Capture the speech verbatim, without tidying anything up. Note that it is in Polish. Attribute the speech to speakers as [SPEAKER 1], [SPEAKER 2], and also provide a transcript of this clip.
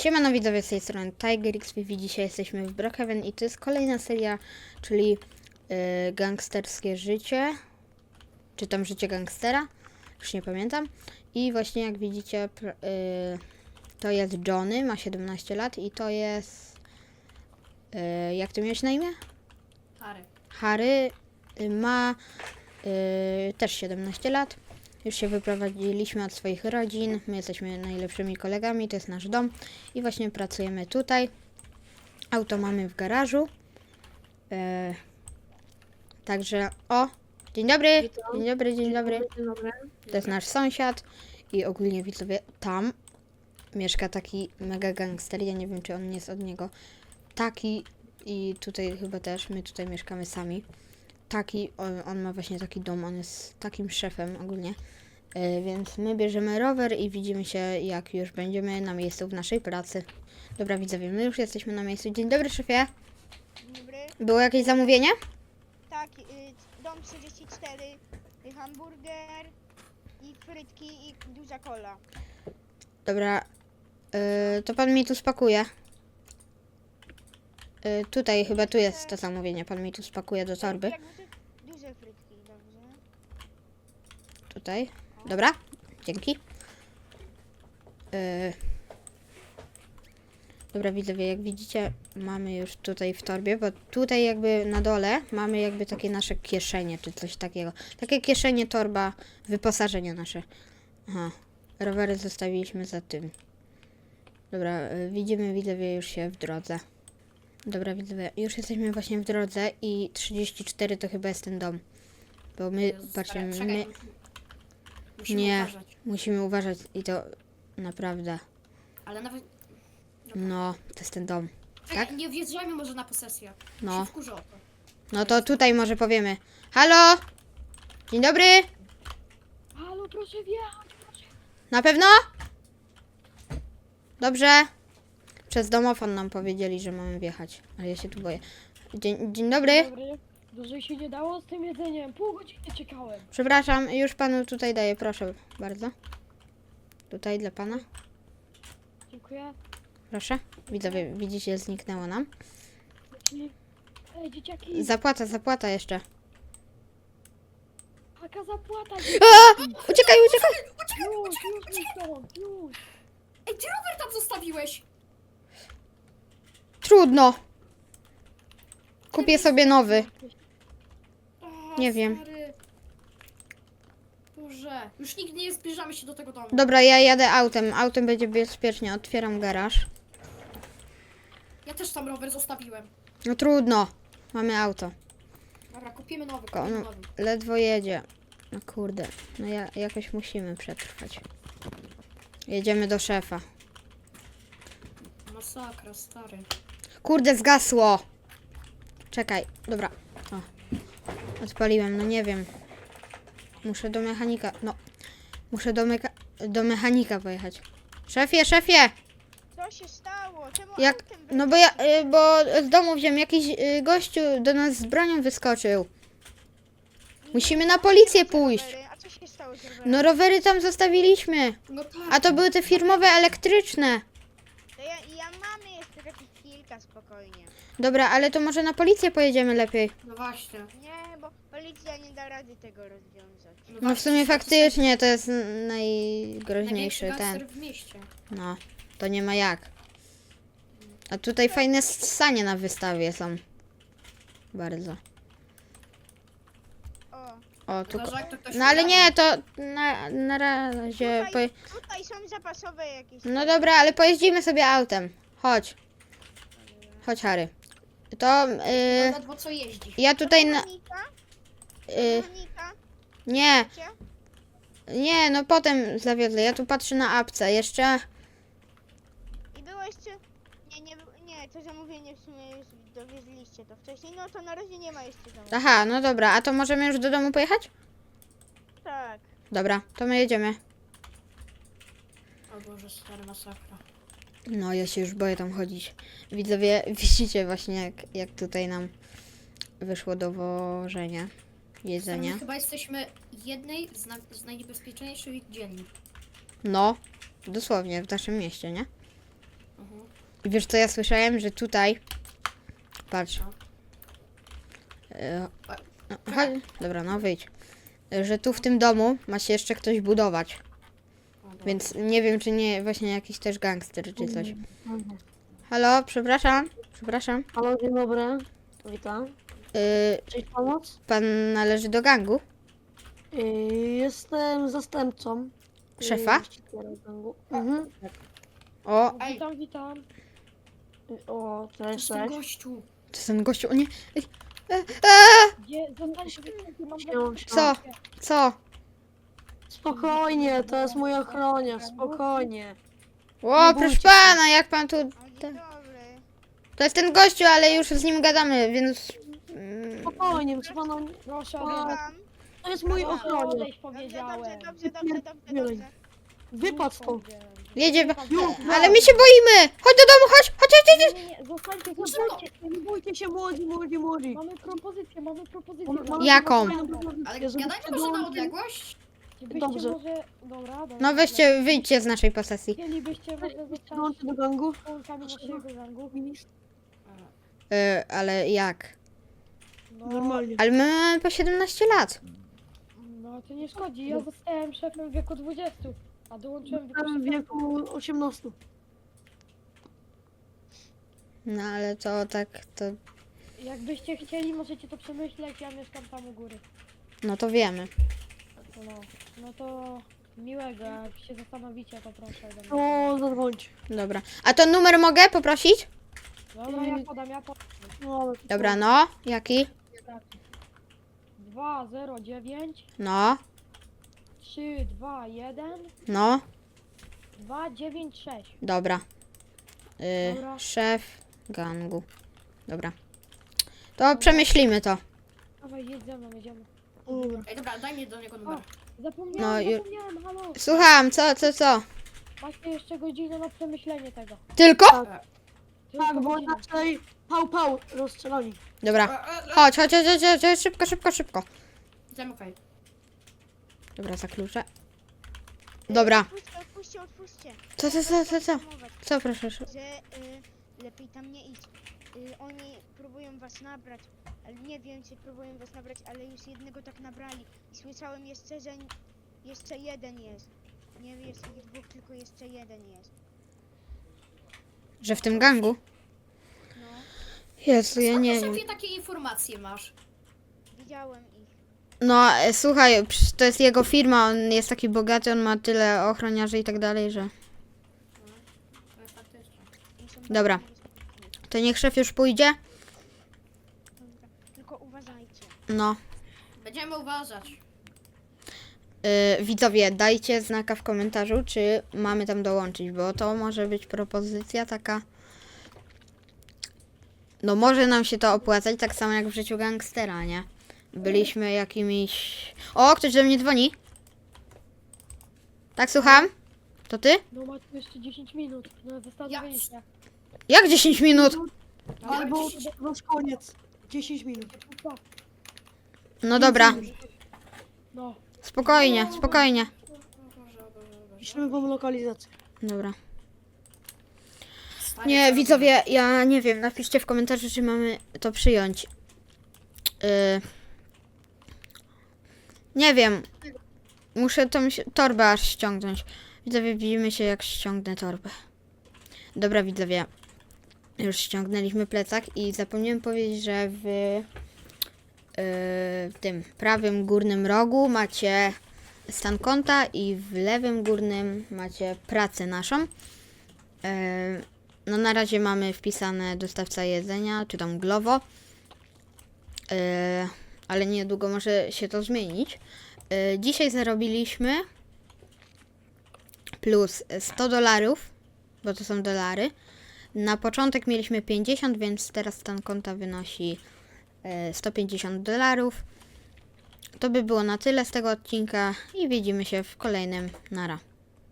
[SPEAKER 1] Siemano widzowie, z tej strony TigerXP. Dzisiaj jesteśmy w Brookhaven i to jest kolejna seria, czyli yy, gangsterskie życie, czy tam życie gangstera, już nie pamiętam. I właśnie jak widzicie, yy, to jest Johnny, ma siedemnaście lat i to jest, yy, jak ty miałeś na imię?
[SPEAKER 2] Harry.
[SPEAKER 1] Harry yy, ma yy, też siedemnaście lat. Już się wyprowadziliśmy od swoich rodzin, my jesteśmy najlepszymi kolegami, to jest nasz dom i właśnie pracujemy tutaj. Auto mamy w garażu. E, także, o, dzień dobry,
[SPEAKER 2] Witam.
[SPEAKER 1] dzień dobry, dzień dobry.
[SPEAKER 2] Dzień dobry.
[SPEAKER 1] To jest nasz sąsiad i ogólnie widzowie, tam mieszka taki mega gangster, ja nie wiem czy on jest od niego. Taki i tutaj chyba też, my tutaj mieszkamy sami. Taki, on, on ma właśnie taki dom, on jest takim szefem ogólnie. Yy, więc my bierzemy rower i widzimy się, jak już będziemy na miejscu w naszej pracy. Dobra widzowie, my już jesteśmy na miejscu. Dzień dobry szefie.
[SPEAKER 3] Dzień dobry.
[SPEAKER 1] Było jakieś zamówienie?
[SPEAKER 3] Tak, y, dom trzydzieści cztery, y, hamburger i frytki i duża kola.
[SPEAKER 1] Dobra, yy, to pan mi tu spakuje. Yy, tutaj, chyba tu jest to zamówienie. Pan mi tu spakuje do torby.
[SPEAKER 3] Jak duże, duże frytki, dobrze.
[SPEAKER 1] Tutaj. Dobra, dzięki. Yy. Dobra widzowie, jak widzicie, mamy już tutaj w torbie, bo tutaj jakby na dole mamy jakby takie nasze kieszenie, czy coś takiego. Takie kieszenie, torba, wyposażenie nasze. Aha, rowery zostawiliśmy za tym. Dobra, yy, widzimy widzowie już się w drodze. Dobra widzowie, już jesteśmy właśnie w drodze i trzydzieści cztery to chyba jest ten dom. Bo my,
[SPEAKER 2] Jezus,
[SPEAKER 1] patrzymy,
[SPEAKER 2] czekaj,
[SPEAKER 1] my...
[SPEAKER 2] musimy- Musimy
[SPEAKER 1] Nie,
[SPEAKER 2] uważać.
[SPEAKER 1] musimy uważać i to naprawdę.
[SPEAKER 2] Ale nawet...
[SPEAKER 1] No, to jest ten dom.
[SPEAKER 2] Czekaj,
[SPEAKER 1] tak?
[SPEAKER 2] nie wjeżdżajmy może na posesję.
[SPEAKER 1] No.
[SPEAKER 2] Się wkurzę o to.
[SPEAKER 1] No to tutaj może powiemy. Halo? Dzień dobry?
[SPEAKER 3] Halo, proszę wjechać, proszę.
[SPEAKER 1] Na pewno? Dobrze. Przez domofon nam powiedzieli, że mamy wjechać, ale ja się tu boję. Dzień, dzień dobry.
[SPEAKER 4] Dobry. Dłużej się nie dało z tym jedzeniem. Pół godziny czekałem.
[SPEAKER 1] Przepraszam, już panu tutaj daję, proszę bardzo. Tutaj dla pana.
[SPEAKER 4] Dziękuję.
[SPEAKER 1] Proszę. Widzowie, widzicie, zniknęło nam.
[SPEAKER 4] I... Ej, dzieciaki.
[SPEAKER 1] Zapłata, zapłata jeszcze.
[SPEAKER 4] Jaka zapłata?
[SPEAKER 1] A! Uciekaj, uciekaj!
[SPEAKER 4] Już, już mi stąd, już.
[SPEAKER 2] Ej, ty rower tam zostawiłeś!
[SPEAKER 1] Trudno. Kupię sobie nowy.
[SPEAKER 2] O,
[SPEAKER 1] Nie wiem.
[SPEAKER 2] Stary. Boże. Już nigdy nie zbliżamy się do tego domu.
[SPEAKER 1] Dobra, ja jadę autem. Autem będzie bezpiecznie. Otwieram garaż.
[SPEAKER 2] Ja też tam rower zostawiłem.
[SPEAKER 1] No trudno. Mamy auto.
[SPEAKER 2] Dobra, kupimy nowy,
[SPEAKER 1] Tylko
[SPEAKER 2] kupimy
[SPEAKER 1] on
[SPEAKER 2] nowy.
[SPEAKER 1] ledwo jedzie. No kurde. No ja, jakoś musimy przetrwać. Jedziemy do szefa.
[SPEAKER 2] Masakra, stary.
[SPEAKER 1] Kurde, zgasło. Czekaj. Dobra. O. Odpaliłem. No nie wiem. Muszę do mechanika. No. Muszę do, meka do mechanika pojechać. Szefie, szefie!
[SPEAKER 3] Co się stało? Czemu
[SPEAKER 1] Jak,
[SPEAKER 3] autem
[SPEAKER 1] no bo ja, y, bo z domu wziąłem jakiś y, gościu do nas z bronią wyskoczył.
[SPEAKER 3] wyjechaliście?
[SPEAKER 1] Musimy na policję pójść.
[SPEAKER 3] Rowery. A co się stało z rowerem?
[SPEAKER 1] No rowery tam zostawiliśmy.
[SPEAKER 2] No tak.
[SPEAKER 1] A to były te firmowe elektryczne.
[SPEAKER 3] To ja, ja mamy jeszcze takich kilka, spokojnie.
[SPEAKER 1] Dobra, ale to może na policję pojedziemy lepiej.
[SPEAKER 2] No właśnie.
[SPEAKER 3] Nie, bo policja nie da rady tego rozwiązać.
[SPEAKER 1] No w
[SPEAKER 2] właśnie,
[SPEAKER 1] sumie
[SPEAKER 2] to jest
[SPEAKER 1] faktycznie to jest n-
[SPEAKER 2] największy
[SPEAKER 1] najgroźniejszy
[SPEAKER 2] gangster
[SPEAKER 1] ten.
[SPEAKER 2] w mieście.
[SPEAKER 1] No, to nie ma jak. A tutaj fajne sanie na wystawie są. Bardzo.
[SPEAKER 3] O,
[SPEAKER 1] O, tu.
[SPEAKER 2] Chyba, że jak to ktoś
[SPEAKER 1] No ale
[SPEAKER 2] ukradnie.
[SPEAKER 1] nie, to na, na razie.
[SPEAKER 3] tutaj,
[SPEAKER 1] Po...
[SPEAKER 3] tutaj są zapasowe jakieś.
[SPEAKER 1] No dobra, ale pojeździmy sobie autem. Chodź. Chodź, Harry. To.
[SPEAKER 2] No
[SPEAKER 1] Y,
[SPEAKER 2] ledwo co jeździ.
[SPEAKER 1] ja tutaj na.
[SPEAKER 3] Mechanika?
[SPEAKER 1] Y,
[SPEAKER 3] Mechanika?
[SPEAKER 1] nie,
[SPEAKER 3] Wiecie?
[SPEAKER 1] nie, no potem zawiozę. Ja tu patrzę na apce. Jeszcze.
[SPEAKER 3] I było jeszcze... Nie, nie, nie, to zamówienie w sumie już dowieźliście to wcześniej, no to na razie nie ma jeszcze zamówienia.
[SPEAKER 1] Aha, no dobra, a to możemy już do domu pojechać?
[SPEAKER 3] Tak.
[SPEAKER 1] Dobra, to my jedziemy.
[SPEAKER 2] O Boże, stary, masakra.
[SPEAKER 1] No, ja się już boję tam chodzić. Widzowie, widzicie właśnie jak, jak tutaj nam wyszło dowożenie jedzenia.
[SPEAKER 2] My chyba jesteśmy jednej z, na, z najniebezpieczniejszych dzielnic.
[SPEAKER 1] No, dosłownie w naszym mieście, nie?
[SPEAKER 2] Mhm.
[SPEAKER 1] I wiesz co ja słyszałem, że tutaj... Patrz. E, no, chodź. Dobra, no wyjdź. E, Że tu w tym domu ma się jeszcze ktoś budować.
[SPEAKER 2] O, dobra.
[SPEAKER 1] Więc nie wiem, czy nie właśnie jakiś też gangster czy coś. Halo, przepraszam. Przepraszam.
[SPEAKER 5] Halo, dzień dobry. Witam.
[SPEAKER 1] Y,
[SPEAKER 5] Cześć, pomoc?
[SPEAKER 1] pan należy do gangu?
[SPEAKER 5] Yy, jestem zastępcą. yy,
[SPEAKER 1] Szefa?
[SPEAKER 5] właściciela gangu. Mhm.
[SPEAKER 1] O,
[SPEAKER 2] Ej.
[SPEAKER 4] Witam, witam.
[SPEAKER 5] Yy, O,
[SPEAKER 2] To
[SPEAKER 5] cześć,
[SPEAKER 2] jest ten
[SPEAKER 5] cześć.
[SPEAKER 2] gościu.
[SPEAKER 1] to jest ten gościu, o nie. Ej, e, e,
[SPEAKER 4] Gdzie? Zostańcie wycięci, mam
[SPEAKER 5] Siema,
[SPEAKER 4] dla-
[SPEAKER 1] Co? Co?
[SPEAKER 5] Spokojnie, to jest mój ochroniarz, spokojnie.
[SPEAKER 1] O,
[SPEAKER 5] Nie
[SPEAKER 1] proszę
[SPEAKER 5] bójcie się.
[SPEAKER 1] pana, jak pan tu...
[SPEAKER 3] O, dzień
[SPEAKER 1] Ten-
[SPEAKER 3] dobry.
[SPEAKER 1] To jest ten gościu, ale już z nim gadamy, więc... mm,
[SPEAKER 5] Spokojnie, proszę pana,
[SPEAKER 4] Proszę,
[SPEAKER 5] O,
[SPEAKER 4] odejdź.
[SPEAKER 3] Tam.
[SPEAKER 5] to jest mój
[SPEAKER 3] Proszę
[SPEAKER 5] ochroniarz.
[SPEAKER 4] Odejdź,
[SPEAKER 3] Dobrze,
[SPEAKER 4] powiedziałem.
[SPEAKER 3] dobrze, dobrze, dobrze, dobrze, dobrze.
[SPEAKER 5] Wypadł stąd.
[SPEAKER 1] Jedzie...
[SPEAKER 5] Już,
[SPEAKER 1] Ale my się boimy! Chodź do domu, chodź! Chodź, chodź, chodź!
[SPEAKER 4] Nie, nie, nie, zostańcie,
[SPEAKER 5] Nie
[SPEAKER 4] zostańcie.
[SPEAKER 5] bójcie, nie bójcie się, młodzi, młodzi, młodzi.
[SPEAKER 4] Mamy propozycję, mamy propozycję.
[SPEAKER 5] Mam- mam-
[SPEAKER 1] Jaką?
[SPEAKER 5] mam fajną propozycję,
[SPEAKER 2] Ale
[SPEAKER 5] żebyście
[SPEAKER 2] gadajmy może na
[SPEAKER 5] dołączyli-
[SPEAKER 2] odległość?
[SPEAKER 4] Byście
[SPEAKER 5] Dobrze.
[SPEAKER 4] może... Dobra, dobra.
[SPEAKER 1] No weźcie, wyjdźcie z naszej posesji.
[SPEAKER 4] Chcielibyście może
[SPEAKER 5] żebyście
[SPEAKER 4] zostać
[SPEAKER 5] dołączyli do gangu.
[SPEAKER 4] członkami naszego gangu?
[SPEAKER 1] Y, ale jak?
[SPEAKER 4] No,
[SPEAKER 5] Normalnie.
[SPEAKER 1] Ale my mamy po siedemnaście lat.
[SPEAKER 4] no to nie szkodzi, ja zostałem szefem w wieku dwudziestu, a dołączyłem w wieku
[SPEAKER 5] Jestem w
[SPEAKER 4] szesnastu.
[SPEAKER 5] wieku osiemnastu.
[SPEAKER 1] No ale to tak, to...
[SPEAKER 4] Jakbyście chcieli, możecie to przemyśleć, ja mieszkam tam u góry.
[SPEAKER 1] No to wiemy.
[SPEAKER 4] No, no to miłego, jak się zastanowicie, to proszę ode mnie.
[SPEAKER 5] To zadzwońcie.
[SPEAKER 1] Dobra. A to numer mogę poprosić?
[SPEAKER 4] Dobra, ja podam, ja podam.
[SPEAKER 5] No, ale to-
[SPEAKER 1] Dobra, no. Jaki?
[SPEAKER 4] dwa zero dziewięć
[SPEAKER 1] No.
[SPEAKER 4] trzy dwa jeden
[SPEAKER 1] No.
[SPEAKER 4] dwa dziewięć sześć.
[SPEAKER 1] Dobra. Y,
[SPEAKER 4] Dobra.
[SPEAKER 1] szef gangu. Dobra. To przemyślimy to.
[SPEAKER 4] Dawaj, jedź ze mną, jedziemy.
[SPEAKER 5] Dobra.
[SPEAKER 2] Ej, dobra, daj mi do niego numer.
[SPEAKER 4] Zapomniałem,
[SPEAKER 1] No i-
[SPEAKER 4] zapomniałem, halo.
[SPEAKER 1] Słucham, co, co, co?
[SPEAKER 4] Macie jeszcze godzinę na przemyślenie tego.
[SPEAKER 1] Tylko?
[SPEAKER 4] Tylko
[SPEAKER 5] Tak, bo
[SPEAKER 4] godzinę.
[SPEAKER 5] inaczej pał, pał, rozstrzelani.
[SPEAKER 1] Dobra.
[SPEAKER 2] E, e, e,
[SPEAKER 1] Chodź, chodź, chodź, chodź, chodź, szybko, szybko, szybko.
[SPEAKER 2] Zamykaj.
[SPEAKER 1] Dobra, za klucze. Dobra.
[SPEAKER 3] Odpuśćcie, odpuśćcie, odpuśćcie.
[SPEAKER 1] Co, co, co, co, co?
[SPEAKER 3] Informować,
[SPEAKER 1] Co, proszę, szybko.
[SPEAKER 3] Że y, lepiej tam nie iść. Y, oni próbują was nabrać, ale nie wiem czy próbują was nabrać, ale już jednego tak nabrali. I słyszałem jeszcze, że n- jeszcze jeden jest. Nie jest ich dwóch, tylko jeszcze jeden jest.
[SPEAKER 1] Że w tym gangu?
[SPEAKER 3] No,
[SPEAKER 1] Jezu, ja
[SPEAKER 2] Skąd
[SPEAKER 1] nie
[SPEAKER 2] ty,
[SPEAKER 1] wiem.
[SPEAKER 2] szefie, takie informacje masz?
[SPEAKER 3] widziałem ich.
[SPEAKER 1] No, e, słuchaj, przecież to jest jego firma, on jest taki bogaty, on ma tyle ochroniarzy i tak dalej, że...
[SPEAKER 2] To jest faktycznie.
[SPEAKER 3] Oni są
[SPEAKER 1] Dobra.
[SPEAKER 3] bardzo niebezpieczni.
[SPEAKER 1] To niech szef już pójdzie?
[SPEAKER 3] Dobra, tylko uważajcie.
[SPEAKER 1] No.
[SPEAKER 2] Będziemy uważać.
[SPEAKER 1] Yy, widzowie, dajcie znaka w komentarzu, czy mamy tam dołączyć, bo to może być propozycja taka... No może nam się to opłacać, tak samo jak w życiu gangstera, nie? Byliśmy jakimiś... O, ktoś do mnie dzwoni. Tak, słucham? To ty?
[SPEAKER 4] No macie jeszcze dziesięć minut na zastanowienie się.
[SPEAKER 1] Jak dziesięć minut?
[SPEAKER 5] Albo to już koniec. dziesięć minut.
[SPEAKER 4] Co?
[SPEAKER 1] No dobra,
[SPEAKER 4] No,
[SPEAKER 1] spokojnie, spokojnie.
[SPEAKER 2] O Boże, o Boże, o Boże.
[SPEAKER 5] Piszemy wam lokalizację.
[SPEAKER 1] Dobra.
[SPEAKER 2] Stary,
[SPEAKER 1] Nie,
[SPEAKER 2] co
[SPEAKER 1] widzowie, ja nie wiem, napiszcie w komentarzu, czy mamy to przyjąć. Yy... Nie wiem. Muszę tą si- torbę aż ściągnąć. Widzowie, widzimy się, jak ściągnę torbę. Dobra, widzowie. Już ściągnęliśmy plecak i zapomniałem powiedzieć, że w, yy, w tym prawym górnym rogu macie stan konta i w lewym górnym macie pracę naszą. Yy, no na razie mamy wpisane dostawca jedzenia, czy tam Glovo. Yy, ale niedługo może się to zmienić. Yy, dzisiaj zarobiliśmy plus sto dolarów, bo to są dolary. Na początek mieliśmy pięćdziesiąt, więc teraz stan konta wynosi yy, sto pięćdziesiąt dolarów. To by było na tyle z tego odcinka i widzimy się w kolejnym. Nara.